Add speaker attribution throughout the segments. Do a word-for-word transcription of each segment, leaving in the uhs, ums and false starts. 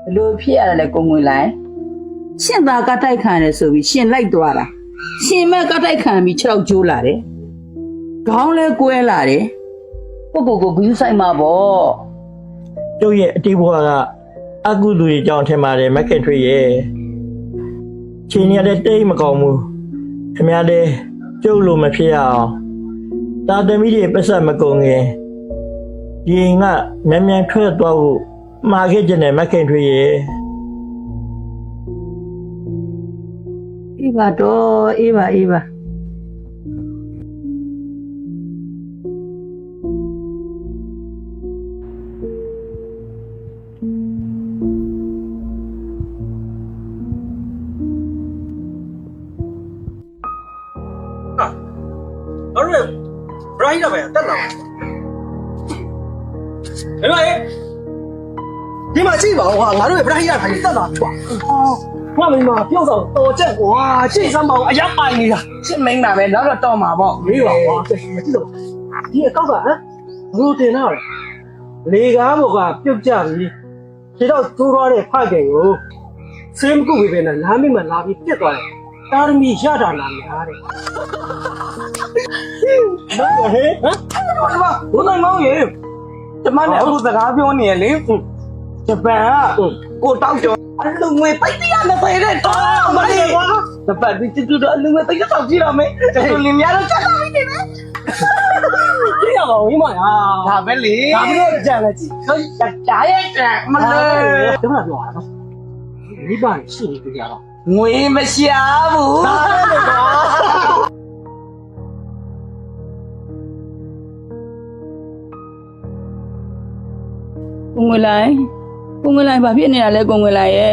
Speaker 1: လိုဖြစ်ရတယ်ကိုငွေလိုက်ရှင်သာကတိုက်ခံရတယ်ဆိုပြီးရှင်လိုက်သွားတာရှင်မဲ့ကတိုက်ခံပြီးခြေထောက်ကျိုးလာတယ်ခေါင်းလဲကွဲလာတယ်ကိုကိုကိုဂယူးဆိုင်မှာပေါ့
Speaker 2: ကျုပ်ရဲ့အတိတ်ဘဝကအကုသိုလ်တွေကြောင့်ထင်ပါတယ်မခင်ထွေးရဲ့ချိန်ရတဲ့တိတ်မကောင်းဘူးခင်ဗျားတဲ့ကျုပ်လိုမဖြစ်ရအောင်တာသမီတွေပတ်ဆက်မကုန်ခင်ရင်ကမြန်မြန်ထွက်သွားဖို့မှာခဲ့ကြတယ်မခင်ထွေးရဲ့
Speaker 1: အေးပါတော့အေးပါအေးပါ
Speaker 3: အဲ့ဒါဘရိုင်းလာပဲတက်လာတယ်လေဒီမှာကြည့်ပါဦးဟာငါတို့ရဲ့ဘရိုင်းရခိုင်တက်လာထွာငါမိမပြုတ်ဆောင်တော်ချက်ကွာကြည့်စမ်းပါဦးအရက်ပိုင်နေတာ
Speaker 1: ရှင်းမင်းတာပဲနောက်တော့တော့မှာပေါ့
Speaker 3: မေးပါကွာမကြည့်တော့ဒီအကောက်ကဟမ်ဘလို့တင်တော့လေကားဘောကပြုတ်ကြပြီခြေတော့ကျိုးသွားတဲ့ဖခင်ကိုဆေးမကုတ်ပဲနဲ့လမ်းမိမှလာပြီးပြက်သွားတယ်တာရမီရတာလာများတဲ့ဘာဟဲ့ဟမ်ဘာဘုန်းတော်မောင်ရေ
Speaker 1: ကျမနဲ့အခုစကားပြောနေရလေဂျပန်ကကိုတောက်ကျော်အလူငွေပိတ်တရားနဲ့ပဲတဲ့တော့မလေးကွာတပတ်ဒီတူတော့အလူငွေပိတ်တော့ကြည့်တော့မေကျန်လင်းများတော့ချက်လာပြီနေမယ်
Speaker 3: ကြည့်ရပါဦးမလား
Speaker 1: ဒါပဲလေ
Speaker 3: ဒါပြီးတော့ကြံလဲကြည့်
Speaker 1: ဟိုဂျာရဲ့ကြံမလေး
Speaker 3: ဒီမှာပြောရအောင်မိဘရှိနေကြတော့
Speaker 1: ငွေမရှာဘူး
Speaker 3: ဒါပဲကွာ
Speaker 1: ကိုငွေလိုက်ကိုငွေလိုက်ဘာဖြစ်နေတာလဲကိုငွေလိုက်ရဲ့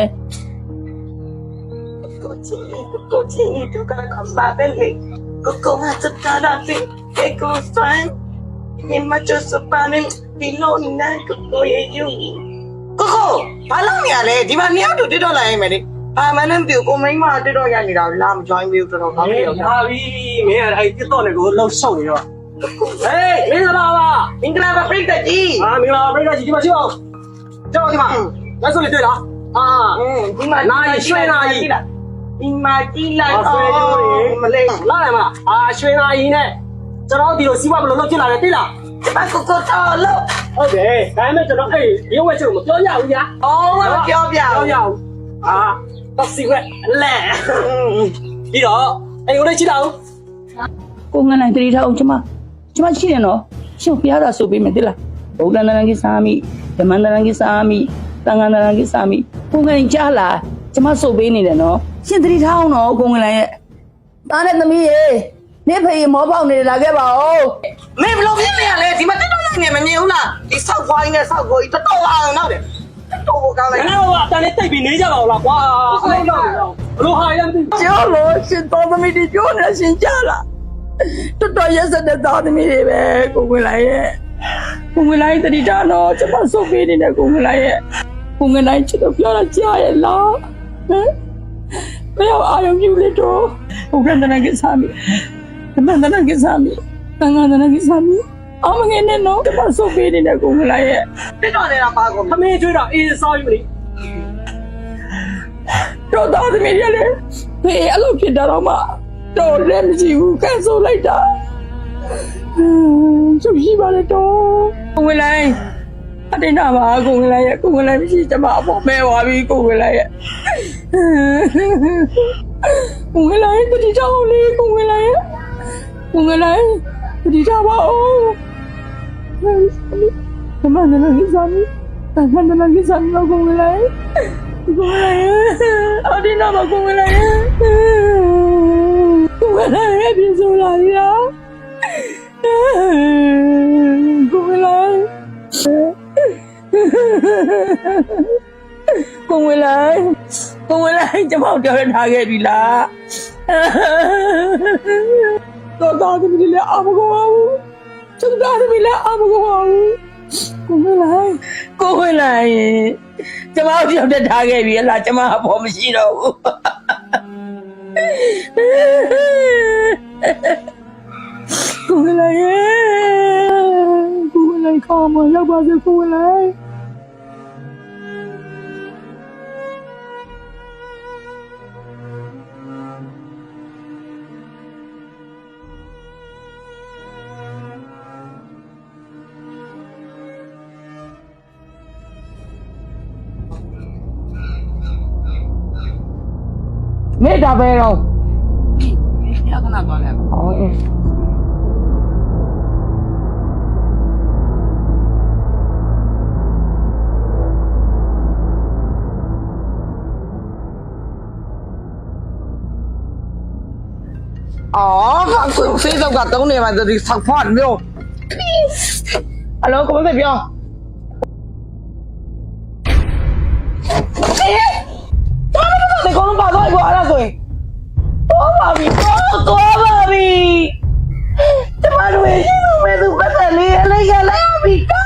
Speaker 4: ကိုချီကိုချီတူကကဘာပဲလေကိုကိုဟာစတာတာတိကေကိုဆိုင်ဒီမချစပန်ဒီလိုနဲ့ကိုကိုရဲ့ယူကိုကိုဘာလို့နေရလဲဒီမှာနှစ်ယောက်တူတက်တော့လာရင်မယ်လေဘာမှန်းပြကိုမိန်းမတက်တော့ရနေတာလာမ join ဘူးတော်တော်ကောင်းတယ်
Speaker 3: ဟာပြီမင်းအဲ့တက်တော့လေကိုလှုပ်ရှုပ်နေတော့ဟေးမင်္ဂလာပါ
Speaker 4: မင်္ဂလာပါပြိတ္တကြီး
Speaker 3: ဟာမင်္ဂလာပါပြိတ္တကြီးဒီမှာရှိအောင်ကျောင်းဒီမှာလက်စွပ်လေးတွေ့လားအာ
Speaker 4: ဒီမှာ
Speaker 3: နာရီရွှေနာရီ
Speaker 4: ဒီမှာကြည့်လိုက်တော့မလေး
Speaker 3: လာရမလားအာရွှေနာရီနဲ့ကျွန်တော်ဒီလိုစီးပွားဘယ်လိုလုပ်ဖြစ်လာလဲသိလား
Speaker 4: ဒီမှာကိုကိုတော်လို့
Speaker 3: ဟုတ်တယ်ဒါပေမဲ့ကျွန်တော်အဲ့ရုပ်ဝဲချုပ်မပြောရဘူးညာ
Speaker 4: အော်မပြောပြ
Speaker 3: ဘူးပြောရဘူးအာတော့စီဝဲလဲပြီးတော့အဲ့ကိုလေးကြည့်တော့
Speaker 1: ကိုငန်းနိုင်တတိထားအောင်ကျမကျမရှိတယ်နော်ရှင်ပြရတာဆိုပေးမယ်တိလားဗုဒ္ဓနာကိစာမိဓမ္မနာကိစာမိသံဃာနာကိစာမိကိုငန်းကြားလာကျမဆိုပေးနေတယ်နော်ရှင်တတိထားအောင်နော်ကိုငန်းနိုင်ရဲ့သားနဲ့သမီးရေနေဖေမောပေါက်နေလာခဲ့ပါဦး
Speaker 4: မင်းဘလို့ဖြစ်နေရလဲဒီမှာတက်တော့လိုက်နေမမြင်ဘူးလားဒီဆောက်ခွားနဲ့ဆောက်ကိုကြီးတော်တော်အောင်နောက်တယ်တော်တော်ကောင်းလိုက်
Speaker 3: ငါတို့ကအတန်လေးတိတ်ပြီးနေကြပါဦးလားကွာအဲ့တော့ဘလို့ဟာရမသိ
Speaker 1: ကျော်လို့ရှင်တော်သမီးတွေပြောနေရှင်ကြားလာတော်တော်ရက်စတဲ့သားသမီးတွေပဲကိုငွေလိုက်ရဲ့ကိုငွေလိုက်တတိတာတော့ကျမဆုတ်ပေးနေတဲ့ကိုငွေလိုက်ရဲ့ကိုငွေလိုက်ချစ်တော့ပြောတာကြားရဲ့လားဟမ်ဘယ်အာရုံပြုလေတော့ဘုရားတနာကိစာမီဓမ္မတနာကိစာမီသံဃာတနာကိစာမီအမငယ်နဲ့တော့ကျမဆုတ်ပေးနေတဲ့ကိုငွေလိုက်ရဲ့
Speaker 4: တက်တော့နေတာပါကို
Speaker 3: ခမင်းကျွေးတော့အေးစောယူလေ
Speaker 1: တော့သားသမီးတွေလေဖေးအဲ့လိုဖြစ်တာတော့မှတော့လည်းမရှိဘူးကဲဆိုလိုက်တာကျုပ်ရှိပါလေတော့ကိုဝင်လိုက်အတင်းတာပါကိုဝင်လိုက်ရဲ့ကိုဝင်လိုက်မရှိကျမအပေါ်မဲသွားပြီကိုဝင်လိုက်ရဲ့ကိုဝင်လိုက်တတိချောင်းလေးကိုဝင်လိုက်ရဲ့ကိုဝင်လိုက်တတိချောင်းပါဦးဓမ္မနန္ဒစမ်းဓမ္မနန္ဒစမ်းကိုဝင်လိုက်ကိုဝင်လိုက်အတင်းတာပါကိုဝင်လိုက်ကိုဝင်လိုက်ပြေဆိုလာရကိုဝင်လိုက်ကိုဝင်လိုက်ကိုဝင်လိုက်ကျမတို့ပြောထားခဲ့ပြီလားတော့တော်သမီးလည်းအမကောင်းဘူးကျုပ်တော်သမီးလည်းအမကောင်းဘူးကိုဝင်လိုက်ကိုဝင်လိုက်ကျမတို့ပြောထားခဲ့ပြီလားကျမအဖို့မရှိတော့ဘူးကိုဝင်လိုက်ကိုဝင်လိုက်ခေါ်မရောက်ပါစေကိုဝင်လိုက်မေတာပဲတော့
Speaker 5: ရခဏသွားလိုက်
Speaker 1: ဟောအေးအော်ဟာကိုဖေးတော့ကတုံးနေမှာဒီဆောက်ဖွားလို့အလောကိုမဖေးပြောအေးတော်တော်တော်ကောင်းပါတော့ကွာအဲ့ဒါဆိုရင်တော်ပါပြီတော်တော်ပါပြီကျမတို့ရဲ့ရှင်လူမဲ့သူပတ်သက်လေးအလိုက်ရလိုက်ပြီ